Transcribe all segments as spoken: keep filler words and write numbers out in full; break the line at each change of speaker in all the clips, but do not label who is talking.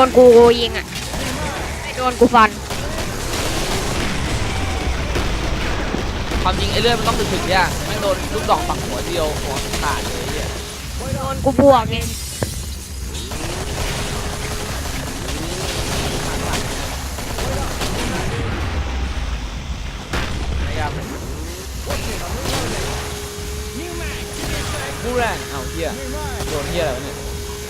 นกูยิงอ่ะไม่โดนกูฟัน
ความจริงไอ้เลือดมันต้องถึงๆเนี่ยไม่โดนลูกดอกปักหัวเดียวหัวขาดเลยเนี่ย
โดนกูบวกไง
นะครับผู้แรงเอาเฮียโดนเฮียอะไรวะเนี่ย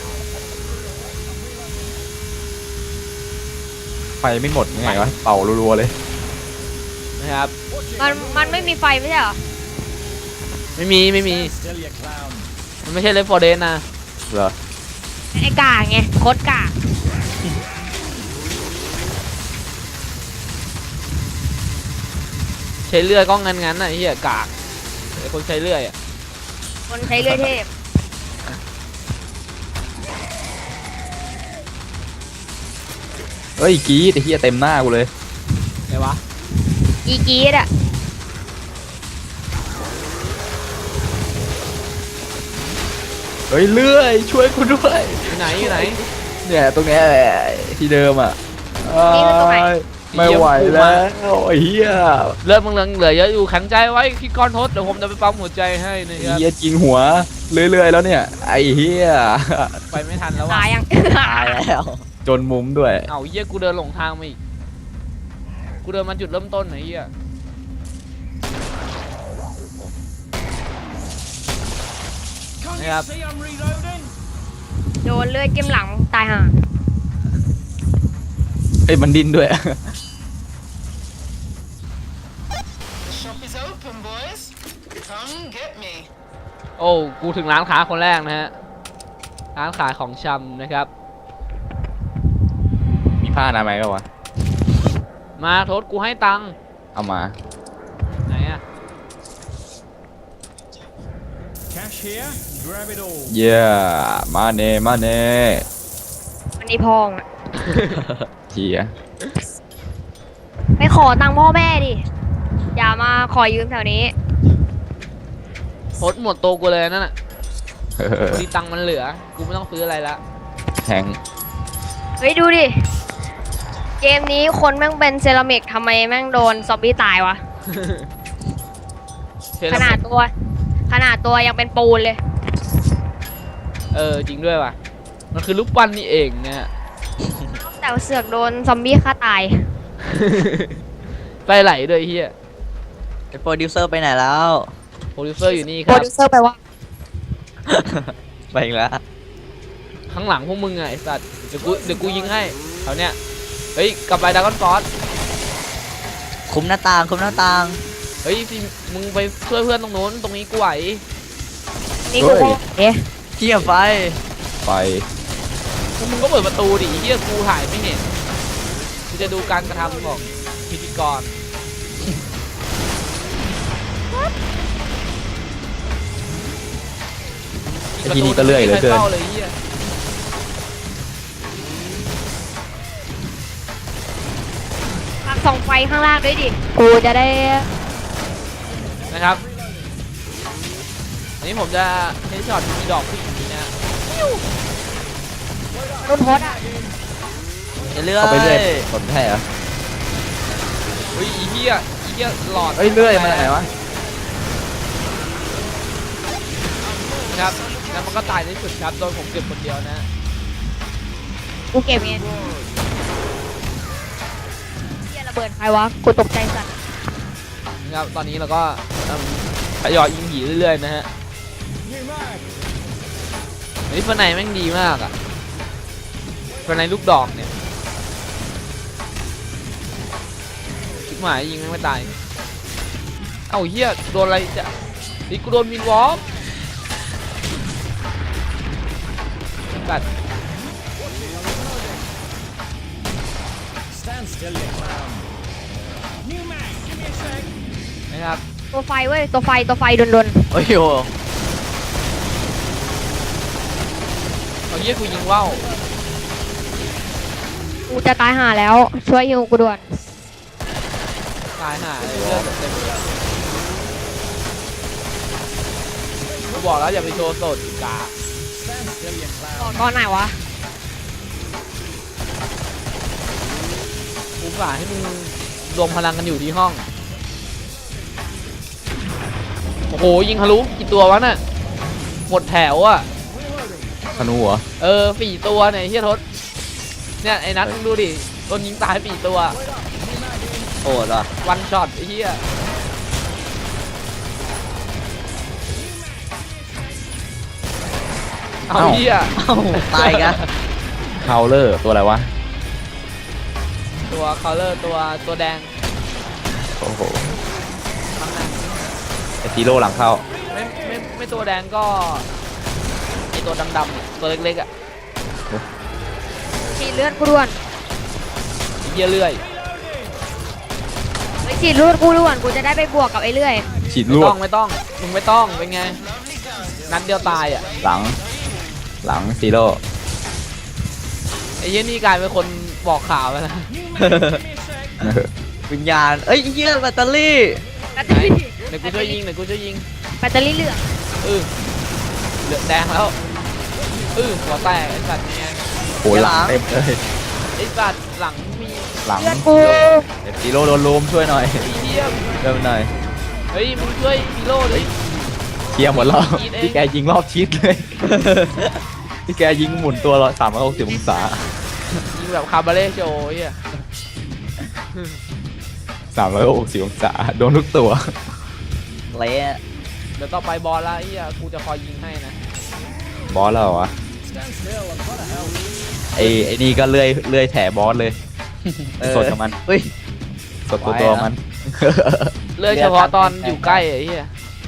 ไฟไม่หมดยังไงวะเป่ารัวๆเลย
นะครับ
มันมันไม่มีไฟไม่ใช่เหรอ
ไม่มีไม่มีมันไม่ใช่เลฟฟอร์เดนนะ
เหรอ
ไอ้กาไงโคตรกา
ใช้เลื่อยก็งั้นงั้นน่ะไอ้เหี้ยกากไอ้คนใช้เลื่อยอ่ะ
คนใช้เลื่อยเทพ
เฮ้ยกีดไอ้เหี้ยเต็มหน้ากูเลย
ไงวะ
กีกีดอ่ะ
เฮ้ยเลื่อยช่วยกูด้วย
อยู่ไหนอยู่ไหน
เนี่ยตรงเนี้ยแหละที่เดิมอ่ะไม่ไหวแล้วไอ้เหี้ย
เลือดมึงเหลือเยอะอยู่แข็งใจไว้พี่ก้อนทศเดี๋ยวผมจะไปปั๊มหัวใจให้นะครับ
เหี้ยจริงหัวเรื่อยๆแล้วเนี่ยไอ้เหี้ย
ไปไม่ทันแล้ว
ตายยัง
ตายแล้วจนมุมด้วย
เอาเหี้ยกูเดินหลงทางมาอีกกูเดินมาจุดเริ่มต้นไหนเหี้ยนะครับ
โดนเลื่อยจิ้มหลังตายห่า
เอ้ยมันดิ้นด้วย
โอ้กูถึงร้านค้าคนแรกนะฮะร้านขายของชำนะครับ
มีผ้าอนามัยก็วะ
มาโทษกูให้ตังค์
เอามา
ไหนอะ
เย้มาเน่มาเน่
วันนี้พองอ่ะ
เจีย
ไปขอตังค์พ่อแม่ดิอย่ามาขอยืมแถวนี้
โทษหมดโตกูเลยนั่นน่ะดีตังค์มันเหลือกูไม่ต้องซื้ออะไรละ
แทง
เฮ้ยดูดิเกมนี้คนแม่งเป็นเซรามิกทำไมแม่งโดนซอมบี้ตายวะขนาดตัวขนาดตัวยังเป็นปูนเลย
เออจริงด้วยว่ะมันคือลูกปั้นนี่เองเนี่ย
แต่เสือกโดนซอมบี้ฆ่าตาย
ไปไหลด้วยเฮีย
ไอโปรดิวเซอร์ไปไหนแล้ว
โปรดิวเซอร์อยู่นี่ครับ
โปรดิวเซอร์ไปว่า
ไปอีกแล้ว
ข้างหลังพวกมึงไงไอ้สัตว์เดี๋ยวกูเดี๋ยวกูยิงให้แถวเนี้ยเฮ้ยกลับไปดากอนฟอส
คุมหน้าต่างคุมหน้าต่าง
เฮ้ยสิมึงไปช่วยเพื่อนตรงโน้นตรงนี้กูไหว
นี่กูเอ๊ะ
เที่ยไฟ
ไฟ
มึงก็เปิดประตูดิเฮียกูถ่ายไม่เห็นกูจะดูการกระทำของพิธีกร
ที่นี่ก็เลื่อยเลยเกิน
ปักส่องไฟข้างล่างด้วยดิกูจะได้
นะครับนี่ผมจะเฮดช็อตมีดอกผู้หญิงนี้นะ
รุ่นโพสอ่ะ
เลื่อย
เข้าไปเรื่อยสนแท้เหรอ
เฮ้ยอีเหี้ยอีเหี้ยหลอด
เฮ้ยเลื่อยมาไหนวะ
ครับแล้วมันก็ตายในสุดครับโดนผมเก็บคนเดียวนะ
กูเก็บเองเหี้ยระเบิดใครวะกูตกใจสัตว์
นะครับตอนนี้เราก็ทยอยยิงผีเรื่อยๆนะฮะนี่ฟันในแม่งดีมากอ่ะฟันในลูกดอกเนี่ยชิบหมายยิงไม่ตายเอ้าเฮียโดนอะไรจะนี่กูโดนมินวอล์กกัดนะครับ
ตัวไฟเว้ยตัวไฟตัวไฟดนดน
โอ้ยโห
เอาเยี่ยกูยิงว่าว
กูจะตายห่าแล้วช่วยฮิวกูด่วน
ตายห่าเลยเลือดเต็มกูบอกแล้วอย่าไปโชว์สดกา
บอกก้อนไหนวะ
กว่าให้มึงรวมพลังกันอยู่ที่ห้องโอ้โหยิงทะลุกี่ตัววะน่ะหมดแถวอ่ะ
ธนูเหรอ
เออสี่ตัวเนี่ยเฮียทศเนี่ยไอ้นัทมึงดูดิโดนยิงตายสี่ตัว
โหดว่ะ
วันช็อตไอ้เฮียเอาเฮีย
เอ้าตายกัน
คาวเลอร์ตัวอะไรวะ
ตัวคอลเลอร์ตัวตัวแดง
โอ้โห
ข้างหน้า
ไอซีโร่หลังเข้า
ไม่ไม่ไม่ตัวแดงก็ไอตัวดำๆอะตัวเล็กๆอ่ะ
ฉีดเลือดกูด่วน
ไอ้เฮียเลื่อย
ไปฉีดเลือดกูด่วนกูจะได้ไปบวกกับไอ้เลื่อย
ฉีด
ไม่
ลว
ต้
ด
องไม่ต้องมึงไม่ต้องเป็นไงนัดเดียวตายอ่ะ
หลัง หลังซีโร่
ไอ้เฮียนี่กลายเป็นคนบอกข่าวแล้วนะ
วิญญาณเอ้ยเหี้ยแบตเตอรี่
แบตเตอรี่
เดี๋ยวกูช่วยยิงเดี๋ยวกูช่วยยิง
แบตเตอรี่เหลือง
เออเหลืองแดงแล้วเออหัวแตกไอ้สัตว์ไง
โอ้หลังเต็มเลย
ไอ้สัตว์หลังมี
หลัง
เลือดกู
เดี๋ยวซีโร่โดนลุมช่วยหน่อย
ไอ้เฮีย
เริ่มหน่อย
เฮ้ยมึงช่วยฮีโร่ดิ
เคลียร์หมดแล้ว
ฉีดเอง
พี่แกยิงรอบชิดเลย พี่แกยิงหมุนตัวละสามร้อยหกสิบองศา
ยิงแบบคาบาเล่โชว์ไอ้เฮีย
สามร้อยหกสิบองศาโดนทุกตัว
เละ
เดี๋ยวต่อไปบอลละไอ้เฮียกูจะคอยยิงให้นะ
บอสแล้วเหรอวะไอไอนี่ก็เลื่อยเลื่อยแถบอสเลย
เออ
สดกับมัน
เฮ้ย
สดตัวตัวมัน
เลื่อยเฉพาะตอนอยู่ใกล้ไอ้เฮีย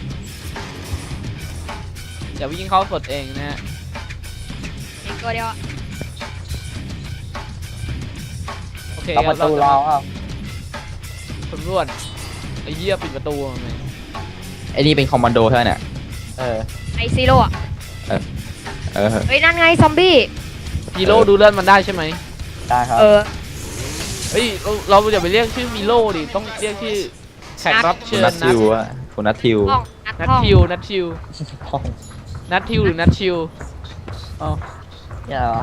อย่าวิ่งเข้าสดเองนะฮะ
อีกตัวเดียวอะ
โอเค
ล็อก
ค
ป
รับ
ระตูรอเปล่า
สำรวจไอ้เหี้ยปิดประตูทำไม
ไอนี่เป็นคอมมานโดใช่ไหมเนี่ย
เออ
ไอซีโร่อะ
เออ
เฮ้ยนั่นไงซอมบี้
ฮีโร่ดูเลื่อนมันได้ใช่ไหม
ได้ครับ
เออ
เฮ้ยเราเราอย่าไปเรียกชื่อฮีโร่ดิต้องเรียกชื่อแขกรับ
คุ
เชิ
ณ
ญ
นัท
นั
ทิ
ท
วอะคุณนัททิว
ห้องนัด
นัท
ห้อง
ทิวนัททิวนัททิวหรือนัททิว
เอ้าอย่าเหรอ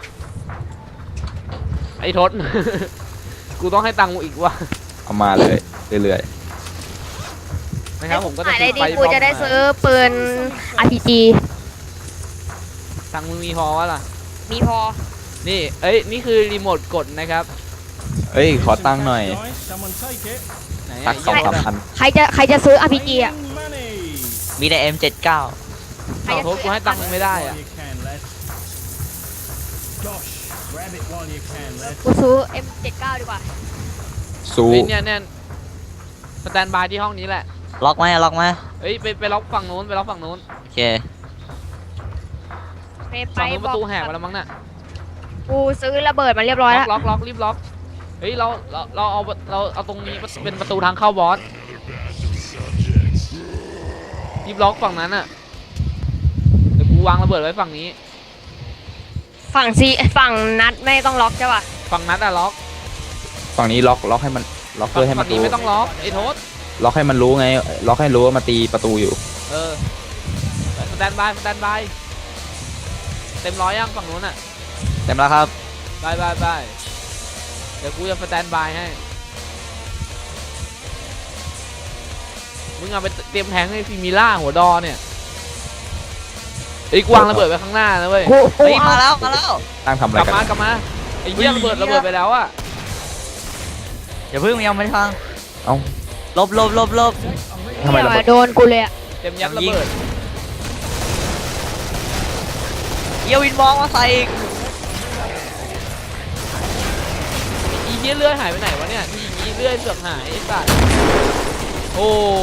ไอ้ทศ กูต้องให้ตังค์มึงอีกว่ะ
เอามาเลยเรื่อย
นะครับผมก็จะ
ขายได้ดี
ฟ
กูจะได้ซื้อปืน อาร์ พี จี
ตังค์มึงมีพอวะล่ะ
มีพอ
นี่เอ้ยนี่คือรีโมทกดนะครับ
ๆเอ้ยขอตังค์หน่อย
ไหน
สั
อะ
กสองสามพัน
ใครจะใครจะซื้อ อาร์ พี จี อ่ะ
มีแต่ เอ็ม เจ็ดสิบเก้า
ใคร
เอา
จะ
ทศกูให้ตังค์มึงไม่ได้อะ
กูซื้อ เอ็ม เจ็ดสิบเก้า ดีกว่า
สู้
เฮ้ยเนี่ยเนี่ยสแตนบายที่ห้องนี้แหละ
ล็อกไหมล็อกไหม
เฮ้ยไปไปล็อกฝั่งนู้นไปล็อกฝั่งนู้น
โอเค
ไปไป
ฝั่งนู้น
บ
ป
อก
ระตูแหกไปแล้วมั้งน่ะ
กูซื้อระเบิดมาเรียบร้อย
ล็อ
แล้ว
กล็อกล็อกรีบล็อกเฮ้ยเราเราเราเอาเราเอาตรงนี้เป็นประตูทางเข้าบอสรีบล็อกฝั่งนั้นอ่ะเดี๋ยวกูวางระเบิดไว้ฝั่งนี้
ฝั่งซีฝั่งนัดไม่ต้องล็อกใช่ป่ะ
ฝั่งนั้นอะล็อก
ฝั่งนี้ล็อกล็อกให้มันล็อกเพื่อให้มั
ฝั่
น
งนี้
รู้
ไม่ต้องล็อกไอ้โทษ
ล็อกให้มันรู้ไง ล็อกให้รู้ว่ามาตีประตูอยู่
เออสแตนบายสแตนบายเต็มร้อยยังฝั่งนู้นอ่ะ
เต็มแล้วครับ
บายบายบายเดี๋ยวกูจะสแตนบายให้มึงเอาไปเตรียมแทงให้ฟิมิล่าหัวดอเนี่ยไอ้ยกวางระเบิดไว้ข้างหน้านะเว้ย
กูกู
เฮ้ย
เอา
มาแล้วมาแล้ว
ตั้งทำอะไร
กลับ
กัน
มากลับมาไอ้เหี้ยระเบิดระเบิดไปแล้วอะ
อย่าเพิ่งยังไม่ฟัง
เอ้า
ลบลบลบลบ
ทำไมระเบิด
โดนกูเลยอ่ะ
เต็มยัดระเบิด
เยี่ยวินมองมาใส่อีก
อีเหี้ยเลื่อยหายไปไหนวะเนี่ยที่อีเลื่อยเสือกหายไอ้สัสโอ้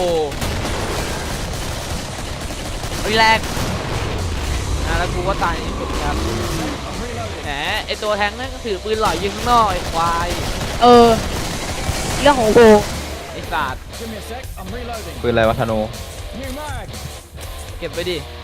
วิแรก
นะแล้วกูก็ตายในที่สุดครับแหมไอตัวแทงนั่นก็ถือปืนหล่อยยิงข้างนอกไอ้ควาย
เออ เรื่องของกู
ไอ้สัส
ปืนอะไรวะธนู
เก็บไปดิ